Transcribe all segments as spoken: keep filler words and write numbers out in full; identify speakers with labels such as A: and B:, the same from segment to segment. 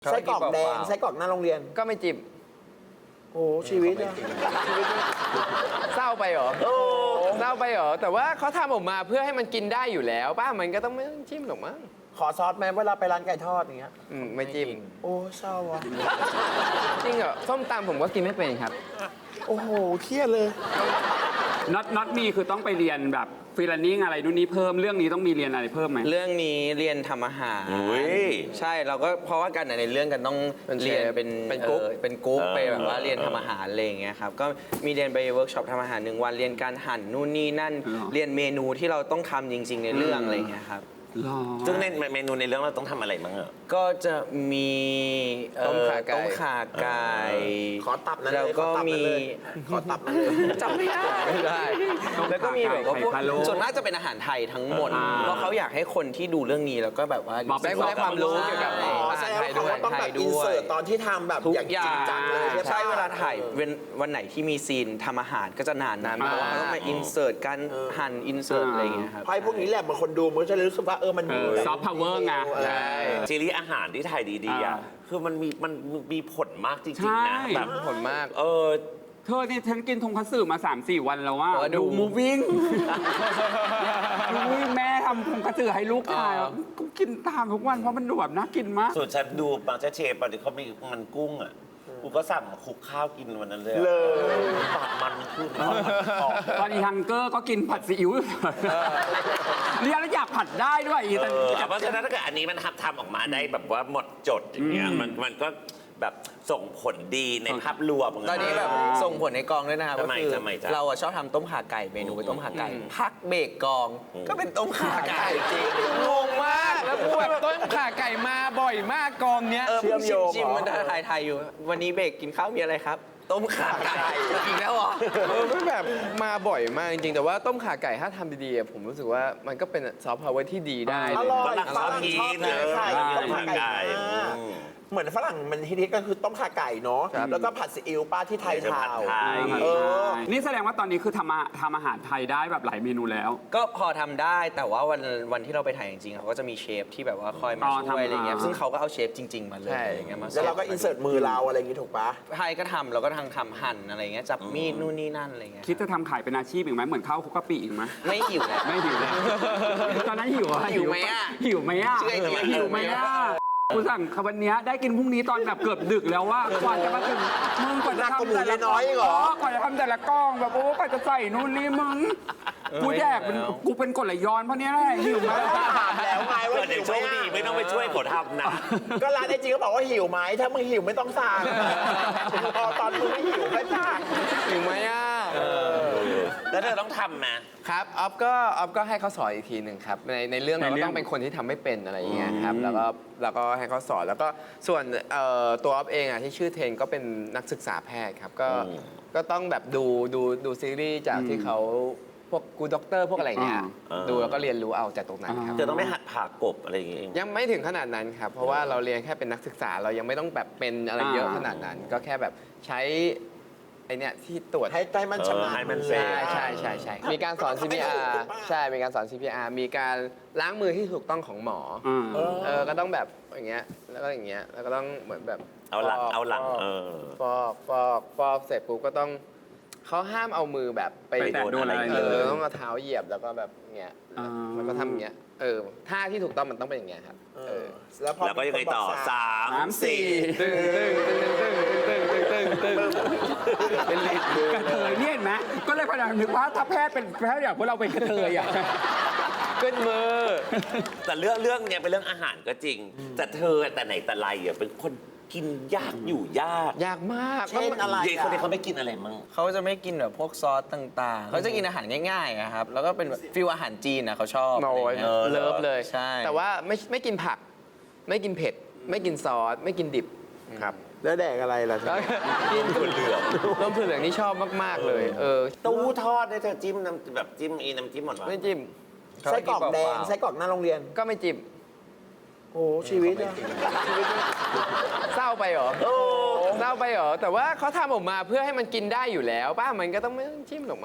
A: ไส้กรอกแดงไส้กรอกหน้าโรงเรียน
B: ก็ไม่จิ้ม
A: โอ้ชีวิตอะชีวิต
B: เศร้าไปเหรอโอ้เศร้าไปเหรอแต่ว่าเขาทำออกมาเพื่อให้มันกินได้อยู่แล้วป้ามันก็ต้องไม่ต้องจิ้มหรอกมั้ง
A: ขอซอสไหมเวลาไปร้านไก่ทอดอย่างเงี้ย
B: อืมไม่จิ้ม
A: โอ้เศร้าอะ
B: จริงเหรอส้มตำผมก็กินไม่เป็นครับ
A: โอ้โหเครียดเลย
C: น็อตน็อตมีคือต้องไปเรียนแบบฟรีแลนซ์อะไรนู่นนี่เพิ่มเรื่องนี้ต้องมีเรียนอะไรเพิ่มไหม
B: เรื่องนี้เรียนทำอาหารใช่เราก็เพราะว่ากันในเรื่องกันต้องเรียนเป็นเป็นกรุ๊ปเป็นกรุ๊ปไปแบบว่าเรียนทำอาหารอะไรอย่างเงี้ยครับก็มีเรียนไปเวิร์กช็อปทำอาหารหนึ่งวันเรียนการหั่นนู่นนี่นั่นเรียนเมนูที่เราต้องทำจริงๆในเรื่องอะไรอย่างเงี้ยครับ
D: ซึ่งในเมนูในเรื่องเราต้องทำอะไรบ้างอ่ะ
B: ก็จะมี
D: ต้มข่าไก่
B: ต้มข่าไก่
A: ขอตับนั่น
B: เลยแล้วก็มี
A: ขอตับนั่นเลย
B: จำไม่ได้ได้แล้วก็มีแบบว่าพวกส่วนมากจะเป็นอาหารไทยทั้งหมดเพราะเขาอยากให้คนที่ดูเรื่องนี้แล้วก็แบบว่าได้ความรู้เกี่ยวกับอาหารไทยด้วย
A: ต้องแบบอินเสิร์ตตอนที่ทำแบบ
B: อย่างจริงจังเลยใช่เวลาถ่ายวันไหนที่มีซีนทำอาหารก็จะนานนานเพราะว่าเขาต้องมาอินเสิร์ตการหั่นอินเสิร์ตอะไรอย่างเงี้ยครับ
A: ไพ่พวกนี้แหละบางคนดูมันจะรู้สึกว่าเออมัน
C: ซอฟต์พาวเวอร์ไง
D: ใช่ซีรีส์อาหารที่ไทยดีๆอ่ะคือมันมีมันมีผลมากจริงๆนะแบบ
B: ผลมาก
D: เออ
C: เธอเนี่ยฉันกินทงคัตสึมา สามสี่ วันแล้วว่า
B: ดูมูวิ่ง
C: มูวิ่งแม่ทำทงคัตสึให้ลูกทานก็กินตามทุกวันเพราะมันดูแบบน่ากินมาก
D: ส่วนฉันดูบางเจ้าเชฟตอนที่เขามีมันกุ้งอ่ะกูก็สั่งคลุกข้าวกินวันนั้นเลยเลยปากมันขึ้น
C: ตอนอีฮังเกอร์ก็กินผัดซีอิ๊วเรียนแล้วอยากผัดได้ด้วยอีแต่
D: เพราะฉะนั้นถ้าเกิดอันนี้มันทำทำออกมาได้แบบว่าหมดจดอย่างเงี้ยมันมันก็แบบส่งผลดีในภาพรวม
B: ตอนนี้แบบส่งผลในกองด้วยนะครับก็คือเราชอบทำต้มข่าไก่เมนูเป็นต้มข่าไก่พักเบรกกองก็เป็นต้มข่าไก่จริงงงมากแล้วพูดแบบต้มข่าไก่มาบ่อยมากกองเนี้ย
A: เชื่อมโยง
B: จิมมันถ่ายถ่ายอยู่วันนี้เบรกกินข้าวมีอะไรครับต้มข่าไก่อีกแล้วเหรอเออมันแบบมาบ่อยมากจริงๆแต่ว่าต้มข่าไก่ถ้าทำดีๆผมรู้สึกว่ามันก็เป็นซอฟต์พาวเวอร์ที่ดีได้
A: อร่อยฝรั่งชอบกินไข่ต้มข่าไก่เหมือนฝรั่งมันฮิตๆก็คือต้มข่าไก่เนาะแล้วก็ผัดซีอิ๊วป้าที่ไทยทาว
C: นี่แสดงว่าตอนนี้คือทำทำอาหารไทยได้แบบหลายเมนูแล้ว
B: ก็พอทำได้แต่ว่าวันวันที่เราไปถ่ายจริงๆเขาก็จะมีเชฟที่แบบว่าคอยมาช่วยอะไรเงี้ยซึ่งเขาก็เอาเชฟจริงๆมาเลยอย่างเงี้ยมา
A: แล้วเราก็อินเสิร์ตมือเราอะไรอย่างงี้ถูกปะ
B: ไทยก็ทำเราก็ทางทำหั่นอะไรเงี้ยจับมีดนู่นนี่นั่นอะไรเงี้ย
C: คิดจะทำขายเป็นอาชีพอีกไหมเหมือนข้าวคุกกะปิอีกไหม
B: ไม่หิวแล้ว
C: ไม่หิวแล้วตอนนั้นหิวอะ
B: หิวไหมอะ
C: หิวไหมอะหิวไหมอะกูสั่งวันนี้ได้กินพรุ่งนี้ตอนแบบเกือบดึกแล้วว่ากว่าจะมาถึงมึงกว่าจะทำแต่ละ
A: น้อยเหร
C: อกว่าจะทำแต่ละกล้องแบบโอ้กว่าจะใส่นู่นนี่มึงกูแยกเป็นกูเป็นกรดไหลย้อนเพราะเนี้ยแหละหิวไหม
A: ถามแล้วไงว่า
D: หิวไหมไม่ต้องไปช่วยเขาทำนะ
A: ก็ร้านไอจีก็บอกว่าหิวไหมถ้ามึงหิวไม่ต้องสั่งพอตอนมึงไม่หิวไม่สั่ง
B: หิวไหมอ่ะ
D: แล้วเธอต้องทำไหม
B: ครับออฟก็ออฟก็ให้เขาสอนอีกทีหนึ่งครับในในเรื่องเราต้องเป็นคนที่ทำไม่เป็นอะไรอย่างเงี้ยครับแล้วก็แล้วก็ให้เขาสอนแล้วก็ส่วนตัวออฟเองอ่ะที่ชื่อเทนก็เป็นนักศึกษาแพทย์ครับก็ก็ต้องแบบดูดูดูซีรีส์จากที่เขาพวกกูด็อกเตอร์พวกอะไรเงี้ยดูแล้วก็เรียนรู้เอาจากตรงนั้นครับ
D: จะต้องไม่หัดผ่ากบอะไรอย่างเงี้ย
B: ยังไม่ถึงขนาดนั้นครับเพราะว่าเราเรียนแค่เป็นนักศึกษาเรายังไม่ต้องแบบเป็นอะไรเยอะขนาดนั้นก็แค่แบบใช้ไอเนี้ยที่ตรวจ
A: ให้ใจมันชำนาญ
B: ใช่ใช่ใช่ใช่มีการสอน ซี พี อาร์ ใช่มีการสอน ซี พี อาร์ มีการล้างมือที่ถูกต้องของหมอเออก็ต้องแบบอย่างเงี้ยแล้วก็อย่างเงี้ยแล้วก็ต้องเหมือนแบบ
D: เอาหลังเอาหลังเออ
B: ฟอกฟอกฟอกเสร็จปุ๊บก็ต้องเขาห้ามเอามือแบบไป
C: โดนอะไร
B: เออต้องเอาเท้าเหยียบแล้วก็แบบเงี้ยแล้วก็ทำอย่างเงี้ยเออท่าที่ถูกต้องมันต้องเป็นอย่างเงี้ยครับเออ
D: แล้วก็ยังไงต่อสามสี่
B: ตึ้งตึ้งตึ้งตึ้งตึ้งตึ้งตึ้งเป็นลิด
C: กระเทยเนี่ยเห็นไหมก็เลยพยายามนึกว่าถ้าแพทย์เป็นแพทย์อย่างพวกเราเป็นกระเทยอ่ะ
B: ขึ้นมือ
D: แต่เรื่องเรื่องเนี้ยเป็นเรื่องอาหารก็จริงแต่เธอแต่ไหนแต่ไรอ่ะเป็นคนกินยากอยู่ยาก
B: ยากมาก
A: เช่นอะไร
D: เด็กคนนี้เขาไม่กินอะไรมั้ง
B: เขาจะไม่กินแบบพวกซอสต่างๆเขาจะกินอาหารง่ายๆครับแล้วก็เป็นฟิลอาหารจีนนะเขาชอบเลิฟเลยใช่แต่ว่าไม่ไม่กินผักไม่กินเผ็ดไม่กินซอสไม่กินดิบครับ
A: แล้วแดกอะไรล่ะ
B: กินถั่วเหลืองต้มถั่วเหลืองนี่ชอบมากๆเลยเออ
D: ตู้ทอดได้เธอจิ้มน้ำแบบจิ้มอีน้ำจิ้มหมดวะ
B: ไม่จิ้ม
A: ไส้กรอกแดงไส้กรอกหน้าโรงเรียน
B: ก็ไม่จิ้ม
A: โอ้ชีวิตอะ
B: เศร้าไปเหรอโอ้เศร้าไปเหรอแต่ว่าเขาทำออกมาเพื่อให้มันกินได้อยู่แล้วป้ามันก็ต้องไม่ต้องจิ้มหรอกมั้ง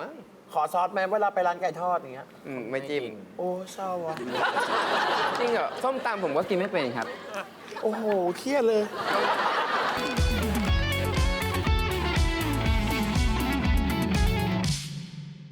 A: ขอซอสไหมเวลาไปร้านไก่ทอดอย่างเงี้ย
B: อืมไม่จิ้ม
A: โอ้เศร้าอ่ะ
B: จริงเหรอส้มตำผมก็กินไม่เป็นครับ
A: โอ้โหเครียดเลย